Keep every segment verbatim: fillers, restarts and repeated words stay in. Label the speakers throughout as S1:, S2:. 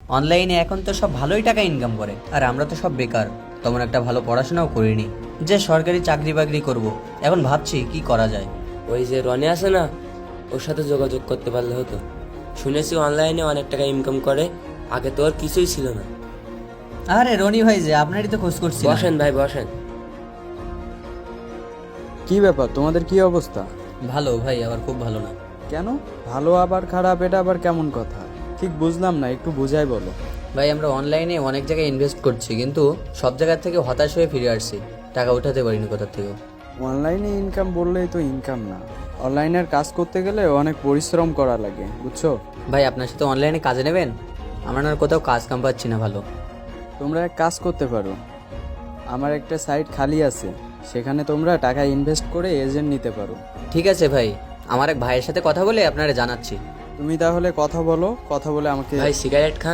S1: অনলাইনে এখন তো সব ভালোই টাকা ইনকাম করে, আর আমরা তো সব বেকার, তেমন একটা ভালো পড়াশোনাও করিনি যে সরকারি চাকরি বাকরি করব। এখন ভাবছি কি করা যায়।
S2: ওই যে রনি আছে না, ওর সাথে যোগাযোগ করতে পারলে হতো। শুনেছি অনলাইনে অনেক টাকা ইনকাম করে, আগে তো ওর কিছুই ছিল না।
S1: আরে রনি ভাই, যে আপনারই তো খোঁজ করছি।
S2: বসেন ভাই বসেন।
S3: কি ব্যাপার, তোমাদের কি অবস্থা?
S1: ভালো ভাই, আবার খুব ভালো না।
S3: কেন ভালো আবার খারাপ, এটা আবার কেমন কথা? ঠিক বুঝলাম না, একটু বুঝাই বলো।
S1: ভাই আমরা অনলাইনে অনেক জায়গায় ইনভেস্ট করছি, কিন্তু সব জায়গা থেকে হতাশ হয়ে ফিরে আসছি, টাকা উঠাতে পারিনি কোথা থেকে।
S3: অনলাইনে ইনকাম বললেই তো ইনকাম না, অনলাইনের কাজ করতে গেলে অনেক পরিশ্রম করা লাগে, বুঝছো?
S1: ভাই আপনার সাথে অনলাইনে কাজে নেবেন? আমরা না কোথাও কাজ কাম পাচ্ছি না ভালো।
S3: তোমরা এক কাজ করতে পারো, আমার একটা সাইট খালি আছে, সেখানে তোমরা টাকা ইনভেস্ট করে এজেন্ট নিতে পারো।
S1: ঠিক আছে ভাই, আমার এক ভাইয়ের সাথে কথা বলে আপনারা জানাচ্ছি।
S3: তুমি তাহলে কথা বলো, কথা বলে আমাকে।
S2: ভাই সিগারেট খান?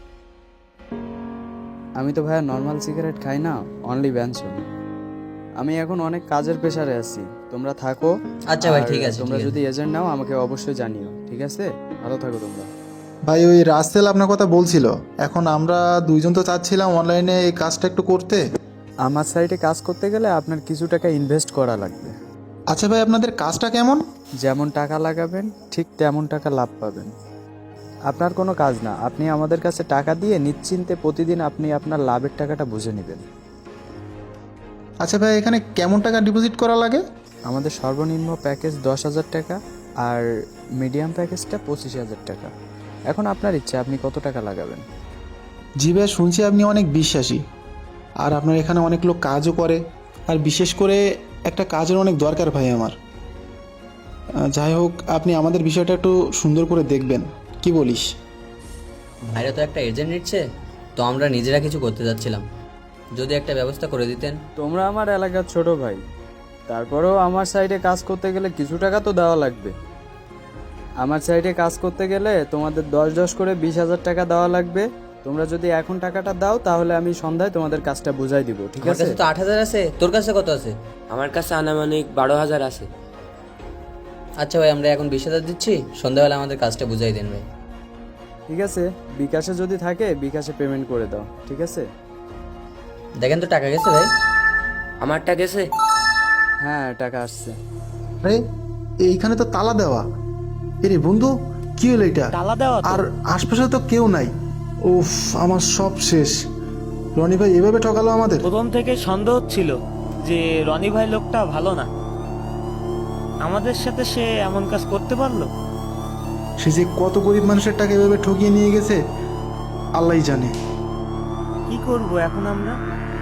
S3: আমি তো ভাইয়া নর্মাল সিগারেট খাই না, অনলি ব্যানসন। আমি এখন অনেক কাজের প্রেশারে আছি, তোমরা থাকো।
S1: আচ্ছা ভাই,
S3: আর
S1: ঠিক আছে,
S3: তোমরা
S1: ঠিক আছে।
S3: যদি এজেন্ট নাও আমাকে অবশ্যই জানিও, ঠিক আছে? ভালো থাকো তোমরা।
S4: ভাই ওই রাসেল আপনার কথা বলছিল, এখন আমরা দুইজন তো চাচ্ছিলাম অনলাইনে এই কাজটা একটু করতে।
S3: আমার সাইটে কাজ করতে গেলে আপনার কিছু টাকা ইনভেস্ট করা লাগবে।
S4: আচ্ছা ভাই, আপনাদের কাজটা কেমন?
S3: যেমন টাকা লাগাবেন ঠিক তেমন টাকা লাভ পাবেন। আপনার কোনো কাজ না, আপনি আমাদের কাছে টাকা দিয়ে নিশ্চিন্তে প্রতিদিন আপনি আপনার লাভের টাকাটা বুঝে নেবেন।
S4: আচ্ছা ভাই, এখানে কেমন টাকা ডিপোজিট করা লাগে?
S3: আমাদের সর্বনিম্ন প্যাকেজ দশ হাজার টাকা, আর মিডিয়াম প্যাকেজটা পঁচিশ হাজার টাকা। এখন আপনার ইচ্ছা আপনি কত টাকা লাগাবেন।
S4: জি ভাই, শুনছি আপনি অনেক বিশ্বাসী, আর আপনার এখানে অনেক লোক কাজও করে, আর বিশেষ করে একটা কাজের অনেক দরকার ভাই আমার। আহ, যাই হোক, আপনি আমাদের বিষয়টা একটু সুন্দর করে দেখবেন, কি বলিস?
S1: ভাইরা তো একটা এজেন্ট নিচ্ছে, তো আমরা নিজেরা কিছু করতে যাচ্ছিলাম, যদি একটা ব্যবস্থা করে দিতেন।
S3: তোমরা আমার এলাকার ছোট ভাই, তারপরেও আমার সাইডে কাজ করতে গেলে কিছু টাকা তো দেওয়া লাগবে। আমার সাইডে কাজ করতে গেলে তোমাদের দশ দশ করে বিশ হাজার টাকা দেওয়া লাগবে। তোমরা যদি এখন টাকাটা দাও তাহলে আমি সন্ধ্যায় তোমাদের কাজটা বুঝাই দিব, ঠিক
S1: আমার
S3: আছে?
S1: কাছে তো আট হাজার আছে, তোর কাছে কত আছে?
S2: আমার কাছে আনুমানিক বারো হাজার আছে।
S1: আচ্ছা ভাই, আমরা এখন বিশ হাজার দিচ্ছি, সন্ধ্যাবেলা আমাদের কাজটা বুঝাই দেন ভাই।
S3: ঠিক আছে, বিকাশে যদি থাকে বিকাশে পেমেন্ট করে দাও, ঠিক আছে?
S1: দেখেন তো টাকা গেছে ভাই?
S2: আমারটা গেছে?
S3: হ্যাঁ, টাকা আসছে।
S4: আরে এইখানে তো তালা দেওয়া। এরে বন্ধু, কি হলো এটা?
S5: তালা দেওয়া তো।
S4: আর আশপাশে তো কেউ নাই। উফ, আমার সব শেষ। রনি ভাই এভাবে ঠকালো আমাদের।
S5: প্রথম থেকে সন্দেহ ছিল যে রনি ভাই লোকটা ভালো না, আমাদের সাথে সে এমন কাজ করতে পারলো।
S4: সে যে কত গরিব মানুষের টাকা এভাবে ঠকিয়ে নিয়ে গেছে, আল্লাহই জানে।
S5: কি করব এখন আমরা?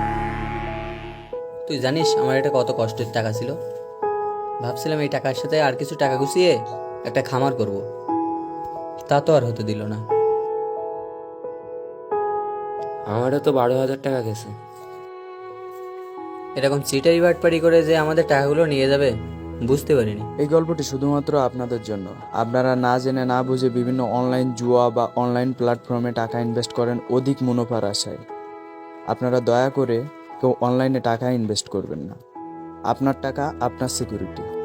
S1: তুই জানিস আমার এটা কত কষ্টের টাকা ছিল। ভাবছিলাম এই টাকার সাথে আর কিছু টাকা গুছিয়ে একটা খামার করব, তা তো আর হতে দিল না।
S2: আমারও তো বারো হাজার টাকা গেছে।
S1: এরকম চিটারি বাটপারি করে যে আমাদের টাকাগুলো নিয়ে যাবে বুঝতে পারিনি।
S3: এই গল্পটি শুধুমাত্র আপনাদের জন্য। আপনারা না জেনে না বুঝে বিভিন্ন অনলাইন জুয়া বা অনলাইন প্ল্যাটফর্মে টাকা ইনভেস্ট করেন অধিক মুনাফার আশায়। আপনারা দয়া করে কেউ অনলাইনে টাকা ইনভেস্ট করবেন না। আপনার টাকা আপনার সিকিউরিটি।